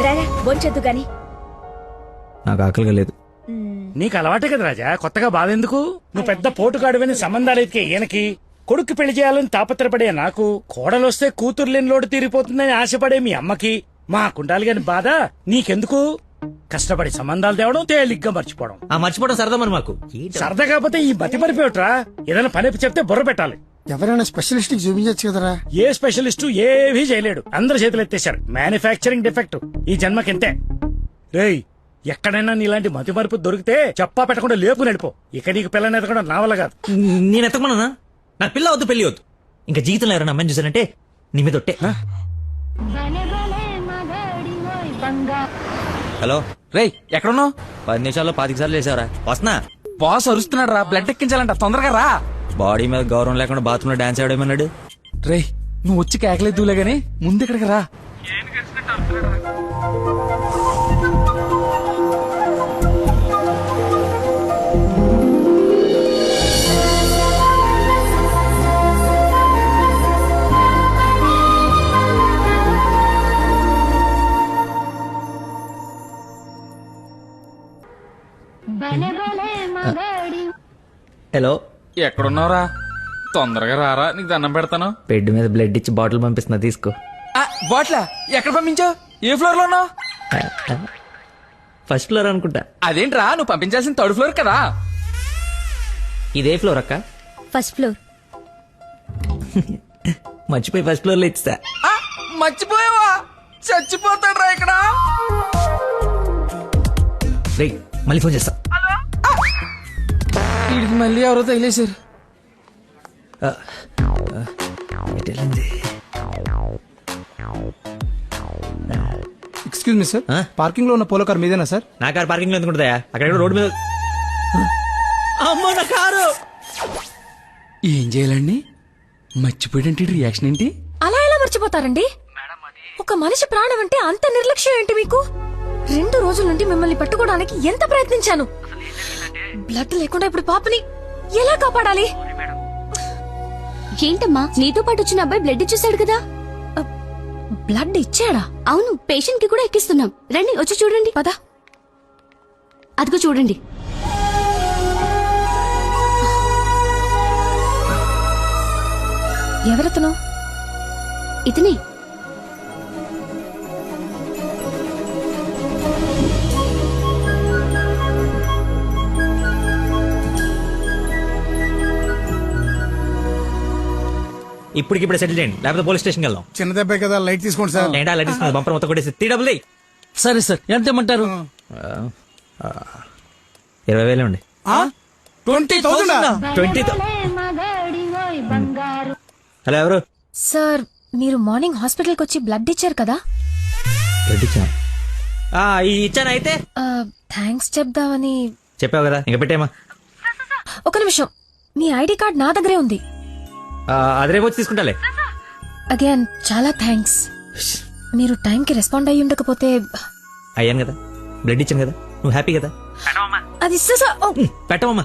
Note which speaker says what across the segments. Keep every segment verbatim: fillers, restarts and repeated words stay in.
Speaker 1: రారా బొంచొద్దు గాని.
Speaker 2: నాకు ఆకలిగా లేదు.
Speaker 3: నీకు అలవాటే కదా రాజా, కొత్తగా బాధెందుకు? నువ్వు పెద్ద పోటుగాడువని సంబంధాలు ఎతికే ఈయనకి, కొడుకు పెళ్లి చేయాలని తాపత్రపడే నాకు, కోడలొస్తే కూతురు లేని లోటు తీరిపోతుందని ఆశపడే మీ అమ్మకి, మా కుండాలి గాని బాధ నీకెందుకు? కష్టపడి సంబంధాలు తేవడం, తేలిగ్గా మర్చిపోవడం.
Speaker 2: ఆ మర్చిపోవడం సరదా మరి మాకు.
Speaker 3: సరదా కాకపోతే ఈ బతి మరిపోయట్రా. ఏదైనా పని చెప్తే బుర్ర పెట్టాలి.
Speaker 4: ఎవరైనా స్పెషలిస్ట్ కి చూపించచ్చు కదరా.
Speaker 3: ఏ స్పెషలిస్టు ఏవీ చేయలేడు, అందరు చేతులు ఎత్తేశారు. మ్యానుఫ్యాక్చరింగ్ డిఫెక్ట్ ఈ జన్మకింతే. రేయ్, ఎక్కడైనా నీలాంటి మతి మరుపు దొరికితే చెప్పా పెట్టకుండా లేపు నడిపో. ఇక నీకు పిల్లని ఎదగడం నా వల్ల కాదు.
Speaker 2: నేను ఎత్తకమన్నా? నాకు పిల్ల వద్దు, పెళ్లి వద్దు. ఇంకా జీవితంలో ఎవరైనా అమ్మాయిని చూసానంటే నీ మీద ఒట్టే. హలో
Speaker 5: రేయ్, ఎక్కడున్నావు?
Speaker 2: పది నిమిషాల్లో పాతిక సార్లు వేసావరా? వస్తున్నా.
Speaker 5: బాస్ అరుస్తున్నాడు రా, బ్లడ్ ఎక్కించాలంట, తొందరగా రా.
Speaker 2: బాడీ మీద గౌరవం లేకుండా బాత్రూమ్ లో డాన్స్ ఆడేమన్నాడు.
Speaker 5: రేయ్, నువ్వు వచ్చి కేకలేదులే గానీ ముందు ఇక్కడికి రా.
Speaker 2: హలో,
Speaker 5: ఎక్కడున్నావురా? తొందరగా రారా, నీకు దండం పెడతాను.
Speaker 2: బెడ్ మీద బ్లడ్ ఇచ్చి బాటిల్ పంపిస్తున్నా, తీసుకో.
Speaker 5: బాట్లా ఎక్కడ పంపించావు? ఏ ఫ్లోర్ లో ఉన్నావు?
Speaker 2: ఫస్ట్ ఫ్లోర్ అనుకుంటా.
Speaker 5: అదేంట్రా, నువ్వు పంపించాల్సిన థర్డ్ ఫ్లోర్ కదా.
Speaker 2: ఇదే ఫ్లోర్ అక్క.
Speaker 1: First floor.
Speaker 2: మర్చిపోయి ఫస్ట్ ఫ్లోర్ లో ఇచ్చా.
Speaker 5: ఆ, మర్చిపోయావా? చచ్చిపోతాడు రా ఇక్కడ.
Speaker 2: రే, మళ్ళీ ఫోన్ చేస్తా.
Speaker 5: వీడికి మళ్ళీ ఎవరో తగిలేశారు.
Speaker 4: ఎక్స్క్యూజ్ మీ సార్, పార్కింగ్ లో ఉన్న పోలో కార్ మీదేనా సార్?
Speaker 2: నా కారు పార్కింగ్ లో ఎందుకుంటుందా? అక్కడ రోడ్డు మీద. అమ్మో, నా కారు.
Speaker 5: ఏం చేయాలండి? మర్చిపోయాడంటే రియాక్షన్ ఏంటి?
Speaker 6: అలా ఎలా మర్చిపోతారండి? ఒక మనిషి ప్రాణం అంటే అంత నిర్లక్ష్యం ఏంటి మీకు? రెండు రోజుల నుండి మిమ్మల్ని పట్టుకోవడానికి ఎంత ప్రయత్నించాను. బ్లడ్ లేకుండా ఇప్పుడు పాపని ఎలా కాపాడాలి?
Speaker 1: ఏంటమ్మా, నీతో పాటు వచ్చిన అబ్బాయి బ్లడ్ ఇచ్చేసాడు కదా.
Speaker 6: బ్లడ్ ఇచ్చాడా?
Speaker 1: అవును, పేషెంట్ కి కూడా ఎక్కిస్తున్నాం. రండి, వచ్చి చూడండి.
Speaker 6: పద.
Speaker 1: అదిగో చూడండి.
Speaker 6: ఎవరతను?
Speaker 1: ఇతనే.
Speaker 2: ఇప్పటికిప్పుడు సెటిల్ చేయండి, లేకపోతే పోలీస్ స్టేషన్ వెళ్దాం.
Speaker 4: చిన్న దెబ్బే కదా, లైట్ తీసుకోండి సార్.
Speaker 2: ఏంటా లైట్ ఇస్తుంది? బంపర్ మొత్తం కొట్టేసి త్రీ డబుల్.
Speaker 5: సరే సార్, ఎంత ఇమ్మంటారు?
Speaker 2: ఇరవై వేలు అండి.
Speaker 4: Twenty thousand
Speaker 2: twenty. హలో, ఎవరు?
Speaker 6: సార్, మీరు మార్నింగ్ హాస్పిటల్కి వచ్చి బ్లడ్ ఇచ్చారు కదా.
Speaker 2: బ్లడ్ ఇచ్చాను. ఇచ్చాను. అయితే
Speaker 6: థ్యాంక్స్ చెప్దామని.
Speaker 2: చెప్పావు కదా, ఇంకా పెట్టేమా.
Speaker 6: ఒక నిమిషం, మీ ఐడి కార్డ్ నా దగ్గరే ఉంది.
Speaker 2: అది రేపు వచ్చి తీసుకుంటాలే.
Speaker 6: అగైన్ చాలా థ్యాంక్స్. మీరు టైంకి రెస్పాండ్ అయ్యి ఉండకపోతే.
Speaker 2: అయ్యాను కదా, బ్లడ్ ఇచ్చాను కదా, నువ్వు హ్యాపీ కదా.
Speaker 6: అది
Speaker 2: పెట్టవమ్మా.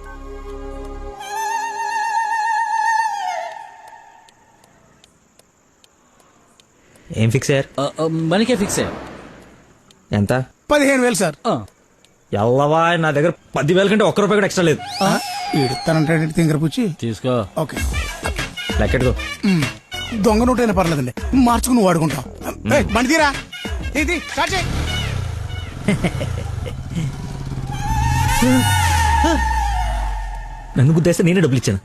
Speaker 2: ఏం ఫిక్స్ అయ్యారు?
Speaker 5: మనకే ఫిక్స్ అయ్యారు.
Speaker 2: ఎంత?
Speaker 4: పదిహేను వేలు సార్.
Speaker 2: ఎల్లవా, నా దగ్గర పదివేల కంటే ఒక్క రూపాయి కూడా ఎక్స్ట్రా లేదు.
Speaker 4: ఇడతానంటే తింగర పుచ్చి
Speaker 5: తీసుకో.
Speaker 4: ఓకే,
Speaker 2: లెక్కెట్టుకో.
Speaker 4: దొంగ నోట్ అయినా పర్లేదండి, మార్చుకుని వాడుకుంటాం. బండి తీరా, ఇది స్టార్ట్ చేయి.
Speaker 2: నన్ను గుద్దేస్తే నేనే డబ్బులు ఇచ్చాను.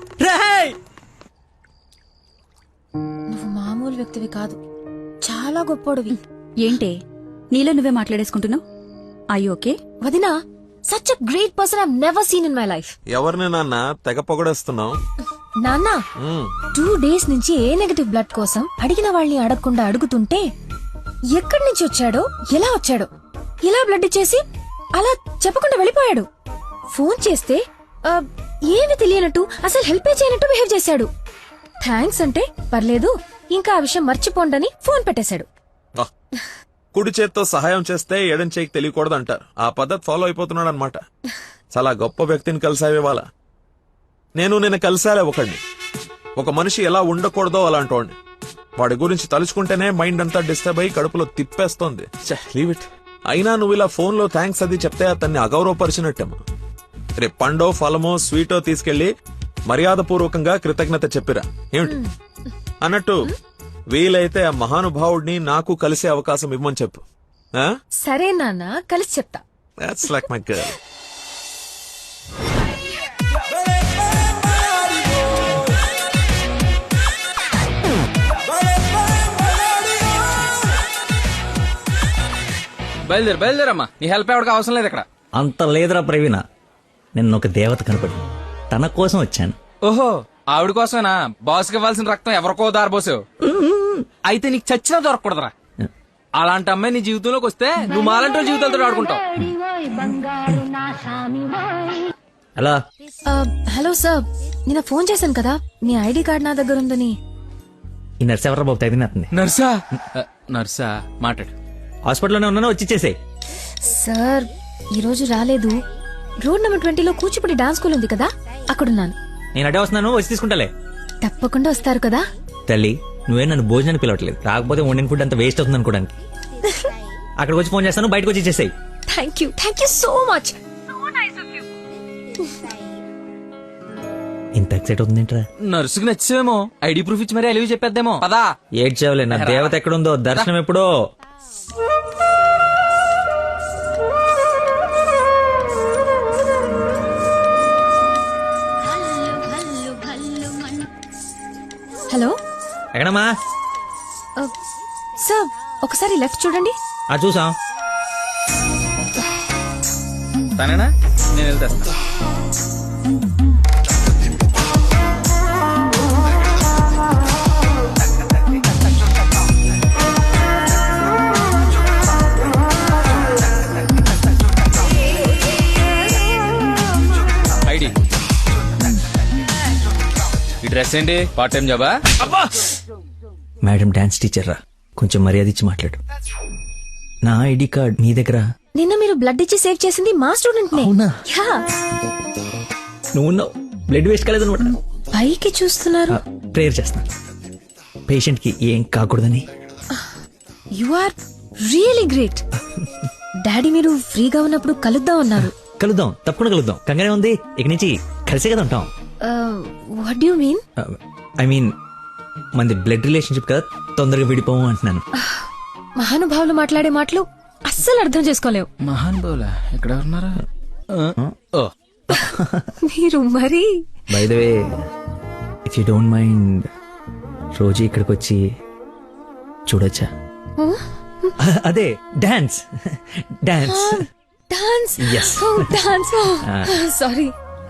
Speaker 6: నువ్వు మామూలు వ్యక్తివి కాదు, చాలా గొప్పోడివి.
Speaker 1: ఏంటే నీలో నువ్వే మాట్లాడేసుకుంటున్నావు? I okay?
Speaker 6: వదినా, such a great person I have never seen in my life.
Speaker 7: ఎవరిని నాన్న తెగ పొగడేస్తున్నావు?
Speaker 6: నాన్న, టూ డేస్ నుంచి ఏ నెగటివ్ బ్లడ్ కోసం అడిగిన వాళ్ళని అడగకుండా అడుగుతుంటే ఎక్కడి నుంచి వచ్చాడో, ఎలా వచ్చాడో, ఇలా బ్లడ్ ఇచ్చేసి అలా చెప్పకుండా వెళ్ళిపోయాడు. ఫోన్ చేస్తే ఆ, ఏమి తెలియనట్టు, అసలు హెల్ప్ చేయనట్టు బిహేవ్ చేశాడు. థ్యాంక్స్ అంటే పర్లేదు, ఇంకా ఆ విషయం మర్చిపోండని ఫోన్ పెట్టేశాడు.
Speaker 7: కుడి చేత్తో సహాయం చేస్తే ఎడం చేయికి తెలియకూడదు అంటారు. ఆ పద్ధతి ఫాలో అయిపోతున్నాడు అనమాట. చాలా గొప్ప వ్యక్తిని కలిసావే వాళ్ళ. నేను నిన్న కలిసాలే ఒకడిని. ఒక మనిషి ఎలా ఉండకూడదో అలాంటి వాడిని. వాడి గురించి తలుచుకుంటేనే మైండ్ అంతా డిస్టర్బ్ అయ్యి కడుపులో తిప్పేస్తోంది. Leave it. అయినా నువ్వు ఇలా ఫోన్ లో థ్యాంక్స్ అది చెప్తే అతన్ని అగౌరవపరిచినట్టేమో. రేపు పండో ఫలమో స్వీటో తీసుకెళ్లి మర్యాద పూర్వకంగా కృతజ్ఞత చెప్పిరా. ఏమిటి అన్నట్టు వీలైతే ఆ మహానుభావుడిని నాకు కలిసే అవకాశం ఇవ్వమని చెప్పు.
Speaker 6: సరే నాన్న, కలిసి చెప్తా.
Speaker 7: That's like my girl.
Speaker 5: బయలుదేరు బయలుదేరమ్మా, నీ హెల్ప్ ఎవరికి అవసరం లేదు ఇక్కడ.
Speaker 2: అంత లేదురా ప్రవీణ, నిన్న ఒక దేవత కనపడి తన కోసం వచ్చాను.
Speaker 5: ఓహో, ఆవిడ కోసమేనా బాస్కి ఇవ్వాల్సిన రక్తం ఎవరికో దారబోసావు? అయితే నీకు చచ్చినా దొరకకూడదురా. అలాంటి అమ్మాయి నీ జీవితంలోకి వస్తే నువ్వు మాలంటి వాళ్ళ జీవితాలతో ఆడుకుంటావు.
Speaker 2: అలా
Speaker 6: ఆ, హలో సార్, నిన్న ఫోన్ చేశాను కదా, మీ ఐడి కార్డ్ నా దగ్గర ఉందని.
Speaker 2: ఈ నర్స్ ఎవరా బాబు తగినట్టుంది.
Speaker 5: నర్సా? ఆ, నర్సా మాట్లాడు.
Speaker 2: హాస్పిటల్లోనే ఉన్నాను, వచ్చి ఇచ్చేసేయ్.
Speaker 6: సార్ ఈ రోజు రాలేదు. రోడ్ నెంబర్ ట్వంటీలో కూచిపూడి డాన్స్ స్కూల్ ఉంది కదా, అక్కడున్నాను.
Speaker 2: నేను అడే వస్తున్నాను, వచ్చి తీసుకుంటాలే.
Speaker 6: తప్పకుండా వస్తారు కదా.
Speaker 2: తల్లి, నువ్వే నన్ను భోజనానికి పిలవట్లేదు, రాకపోతే వండిన ఫుడ్ అంత వేస్ట్ అవుతుంది అనుకోడానికి. అక్కడికి వచ్చి ఫోన్ చేస్తాను, బయటకు వచ్చి ఇచ్చేసేయ్.
Speaker 6: Thank you thank you so much.
Speaker 2: ఇంత ఎక్సైట్ అవుతుంది ఏంట్రా?
Speaker 5: నర్సుకి నచ్చేమో, ఐడి ప్రూఫ్ ఇచ్చి మరీ అలివి చెప్పేద్దేమో. పదా
Speaker 2: ఏడ్చేవలే, నా దేవత ఎక్కడుందో దర్శనం ఎప్పుడో.
Speaker 6: హలో
Speaker 2: ఎక్కడమ్మా?
Speaker 6: సార్ ఒకసారి లెఫ్ట్ చూడండి.
Speaker 2: ఆ చూసాం.
Speaker 5: తనేనా? నేను వెళ్తా. ఐడి, ఈ డ్రెస్ ఏంటి? పార్ట్ టైం జాబా?
Speaker 2: మేడం డాన్స్ టీచర్ రా, కొంచెం మర్యాద ఇచ్చి మాట్లాడు. నా ఐడి కార్డ్ నీ దగ్గర.
Speaker 6: నిన్న మీరు బ్లడ్ ఇచ్చి సేవ్ చేసింది మా స్టూడెంట్ నే.
Speaker 2: అవునా?
Speaker 6: యా.
Speaker 2: నువ్వు బ్లడ్ వేస్ట్ కాలేదు అనమాట.
Speaker 6: పైకి చూస్తున్నారు.
Speaker 2: ప్రేయర్ చేస్తా, పేషెంట్ కి ఏం కాకూడదని.
Speaker 6: You are really great. Daddy మీరు ఫ్రీగా ఉన్నప్పుడు కలుద్దాం అన్నారు.
Speaker 2: కలుద్దాం, తప్పకుండా కలుద్దాం. కంగానే ఉంది, ఇక నుంచి కలిసే కదా ఉంటాం.
Speaker 6: What you mean?
Speaker 2: I mean మనది బ్లడ్ రిలేషన్షిప్ కదా, తొందరగా విడిపోము అంటున్నాను.
Speaker 6: మహానుభావులు మాట్లాడే మాటలు అస్సలు అర్థం చేసుకోలేవు.
Speaker 5: మహాన్ బౌలా ఎక్కడ ఉన్నారా? ఓ,
Speaker 6: మీరు మరి.
Speaker 2: By the way, if you don't mind, రోజు ఇక్కడికి వచ్చి చూడొచ్చా? అదే dance dance
Speaker 6: dance.
Speaker 2: Yes.
Speaker 6: Dance. Sorry,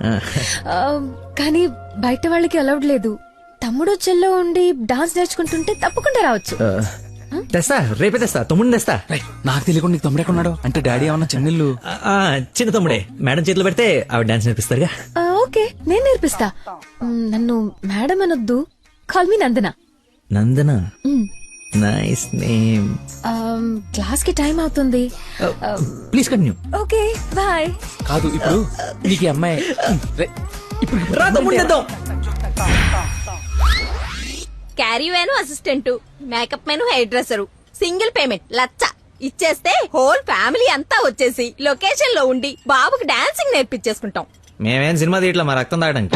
Speaker 6: కానీ బయట వాళ్ళకి అలౌడ్ లేదు. తమ్ముడు చెల్లో ఉండి డాన్స్ నేర్చుకుంటుంటే తప్పకుండా రావచ్చు.
Speaker 2: తెస్తా, రేపే తెస్తా, తమ్ముడిని తెస్తా.
Speaker 5: రేయ్, నాకు తెలియకుండా నీకు తమ్ముడు ఎక్కడున్నాడు? అంటే డాడీ ఏమన్నా చెన్నెళ్ళు?
Speaker 2: ఆ, చిన్న తమ్ముడే, మేడం చేతిలో పెడితే ఆవిడ డాన్స్ నేర్పిస్తారుగా.
Speaker 6: ఆ, ఓకే, నేను నేర్పిస్తా. మ్, నన్ను మేడం అనొద్దు, call me Nandana.
Speaker 2: Nandana, nice name.
Speaker 6: Class కి టైం అవుతుంది.
Speaker 2: Please continue.
Speaker 6: Okay, bye.
Speaker 5: కాదు, ఇప్పుడు నీకు ఈ అమ్మాయి రేయ్, ఇప్పుడు
Speaker 2: రా తమ్ముడిని తెద్దాం.
Speaker 8: Caravan assistant, makeup man hairdresser, single payment లచ్చ ఇచ్చేస్తే హోల్ ఫ్యామిలీ అంతా వచ్చేసి లొకేషన్ లో ఉండి బాబుకి డాన్సింగ్ నేర్పించేసుకుంటాం.
Speaker 2: మేమేం సినిమా తీయట్లా, మా రక్తం తాగడానికి.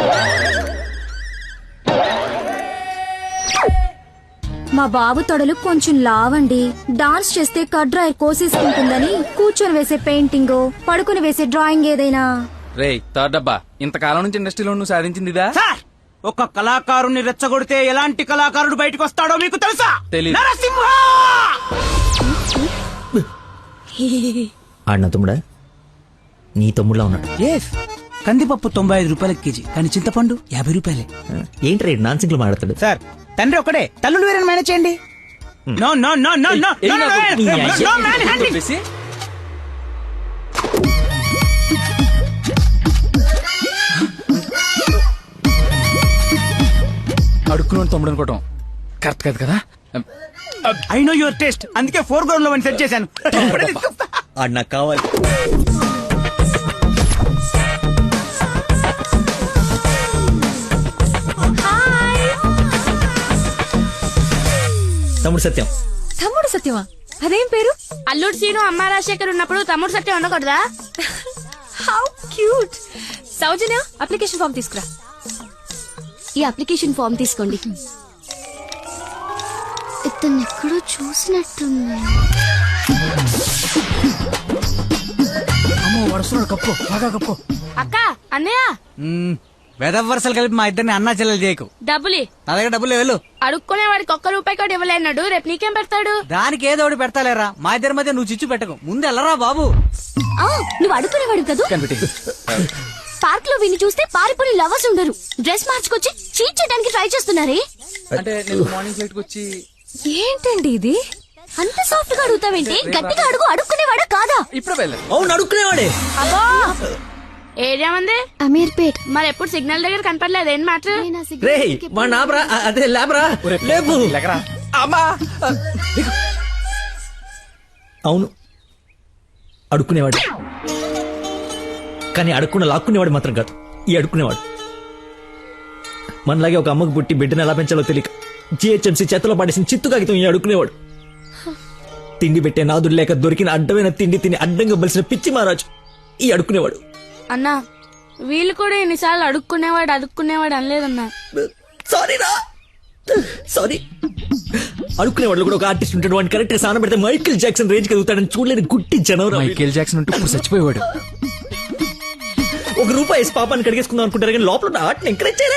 Speaker 1: మా బాబు తొడలు కొంచెం లావండి. డాన్స్ చేస్తే కడ్రాయర్ కోసేసుకుంటుందని కూర్చొని వేసే పెయింటింగ్, పడుకుని వేసే డ్రాయింగ్ ఏదైనా.
Speaker 5: రేయ్ థర్డ్ డబ్బా, ఇంతకాలం నుంచి ఇండస్ట్రీలో నువ్వు సాధించింది ఇదా?
Speaker 4: సార్, ఒక కళాకారుని రెచ్చగొడితే ఎలాంటి కళాకారుడు బయటకు వస్తాడో మీకు తెలుసా?
Speaker 5: తెలీదు.
Speaker 4: నరసింహ!
Speaker 2: ఆడిన తమ్ముడా? నీ తమ్ముడులా ఉన్నాడు.
Speaker 4: ఎస్, కందిపప్పు తొంభై ఐదు రూపాయల కేజీ, కానీ చింతపండు యాభై రూపాయలే.
Speaker 2: ఏంటి రేట్ నాన్ సింగ్లు మాట్లాడతాడు?
Speaker 4: సార్, తండ్రి ఒకడే, తల్లులు వేరే మేనేజ్ చేయండి. No no no no no
Speaker 5: ఏయ్,
Speaker 4: నో
Speaker 5: నాకు నీ
Speaker 4: నో
Speaker 5: అయ్య-
Speaker 4: నో మ్యాన్ హ్యాండింగ్.
Speaker 5: చెప్పేసి, అడుక్కున్నాడు తమ్ముడు అనుకోవటం కరెక్ట్ కాదు కదా.
Speaker 4: ఐ నో యువర్ టేస్ట్, అందుకే ఫోర్ గ్రౌండ్ లో వన్ సెట్ చేశాను. ఇప్పుడే తీసుకొస్తా.
Speaker 2: ఆడు నాకు కావాలి. తమ్ముడు సత్యం.
Speaker 6: తమ్ముడు సత్యమా? అదేం పేరు?
Speaker 9: అల్లుడు సీను అమ్మ రాజశేఖర్ ఉన్నప్పుడు తమ్ముడు సత్యం ఉండకూడదా?
Speaker 6: How cute. Soujanya, application form తీసుకురా.
Speaker 1: ఈ అప్లికేషన్ ఫామ్ తీసుకోండి. ఇతను ఎక్కడో చూసినట్టుంది.
Speaker 4: అమ్మో వరుసలో కప్పు బాగా కప్పు.
Speaker 9: అక్క అన్నయ్య
Speaker 10: వెదవ వరుసలు కలిపి మా ఇద్దరిని అన్నా చెల్లెలు చేయకు.
Speaker 9: డబ్బులి
Speaker 10: నా దగ్గర డబ్బులు వెళ్ళు.
Speaker 9: అడుక్కునే వాడికి ఒక్క రూపాయి కూడా ఇవ్వలేనాడు. రేపు నీకేం పెడతాడు?
Speaker 10: దానికి ఏదో ఒకటి పెడతాలేరా. మా ఇద్దరి మధ్య నువ్వు చిచ్చు పెట్టకు. ముందు వెళ్ళరా బాబు.
Speaker 1: ఆ, నువ్వు అడుగునేవాడు కదా. పార్క్ లో విని చూస్తే పారిపోయి లవర్స్ ఉండరు. డ్రెస్ మార్చుకొచ్చి చీట్ చేయడానికి ట్రై చేస్తున్నారే.
Speaker 5: అంటే నేను మార్నింగ్ ఫ్లైట్ వచ్చి
Speaker 6: ఏంటండి ఇది?
Speaker 1: అంత సాఫ్ట్ గా అడుగుతావేంటి? గట్టిగా అడుగు. అడుక్కునేవాడా కాదా?
Speaker 5: ఇప్పుడే వెళ్ళాను.
Speaker 2: అవును అడుక్కునేవాడే.
Speaker 9: అబ్బో ఏరియా మంది
Speaker 1: అమీర్పేట్.
Speaker 9: మరి ఎప్పుడు సిగ్నల్ దగ్గర కనపడలేదు. ఏం మాట?
Speaker 2: రే మా నాబ్రా అదే లేబరా లేపు.
Speaker 5: అమ్మా
Speaker 2: అవును అడుక్కునేవాడు, కానీ అడుక్కున్న లాక్కునేవాడు మాత్రం కాదు ఈ అడుక్కునేవాడు. మనలాగే ఒక అమ్మకు పుట్టి బిడ్డను ఎలా పెంచాలో తెలియక జిహెచ్ఎంసీ చేతిలో పడేసిన చిత్తు కాగితం ఈ అడుక్కునేవాడు. తిండి పెట్టే నాదుడు లేక దొరికిన అడ్డమైన తిండి తిని అడ్డంగా బలిసిన పిచ్చి మహారాజు ఈ అడుక్కునేవాడు.
Speaker 9: అన్నా వీళ్ళు కూడా ఎన్నిసార్లు అడుక్కునేవాడు అడుక్కునేవాడు అనలేదన్నా.
Speaker 2: సారీ రా సారీ. అడుక్కునేవాడు కూడా ఒక ఆర్టిస్ట్ ఉంటాడు. వాడిని కరెక్ట్ గా సాన పెడితే మైకేల్ జాక్సన్ రేంజ్ కలుగుతాడని చూడలేని గుట్టి జనవరం.
Speaker 5: మైకేల్ జాక్సన్ ఉంటూ ఇప్పుడు చచ్చిపోయేవాడు.
Speaker 2: ఒక రూపాయి వేసి పాపాన్ని కడిగేసుకుందాం అనుకుంటారు కానీ లోపల ఉన్న ఆర్ట్ని ఎంకరేజ్ చేయలే.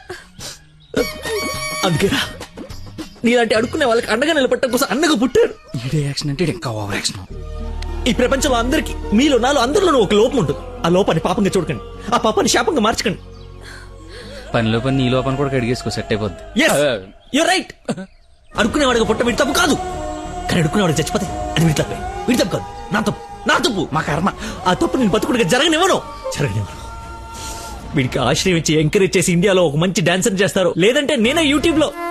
Speaker 2: అందుకేరా నీలాంటి అడుక్కునే వాళ్ళకి అండగా నిలబట్టడం కోసం అన్నగా పుట్టారు.
Speaker 5: యాక్షన్ అంటే ఇంకా ఓవర్ యాక్షన్.
Speaker 2: ఈ ప్రపంచంలో అందరికి మీలో నాలో అందరిలోనూ ఒక లోపం ఉంటుంది. ఆ లోపాన్ని పాపంగా చూడకండి, ఆ పాపాన్ని శాపంగా మార్చకండి.
Speaker 5: పనిలో పని నీ లోపల కూడా కడిగేసుకో సెట్ అయిపోద్ది.
Speaker 2: You right. అడుక్కునేవాడిగా పుట్ట వీడి తప్పు కాదు, కానీ అడుక్కునేవాడికి చచ్చిపోతే అది వీడి తప్పే. వీడి తప్పు కాదు, నా తప్పు. నా తప్పు
Speaker 5: మా కర్మ.
Speaker 2: ఆ తప్పు నేను బతుకుడిగా జరగనివ్వను జరగనివ్వను. వీడికి ఆశ్రయం ఇచ్చి ఎంకరేజ్ చేసి ఇండియాలో ఒక మంచి డాన్సర్ చేస్తారు, లేదంటే నేనే యూట్యూబ్ లో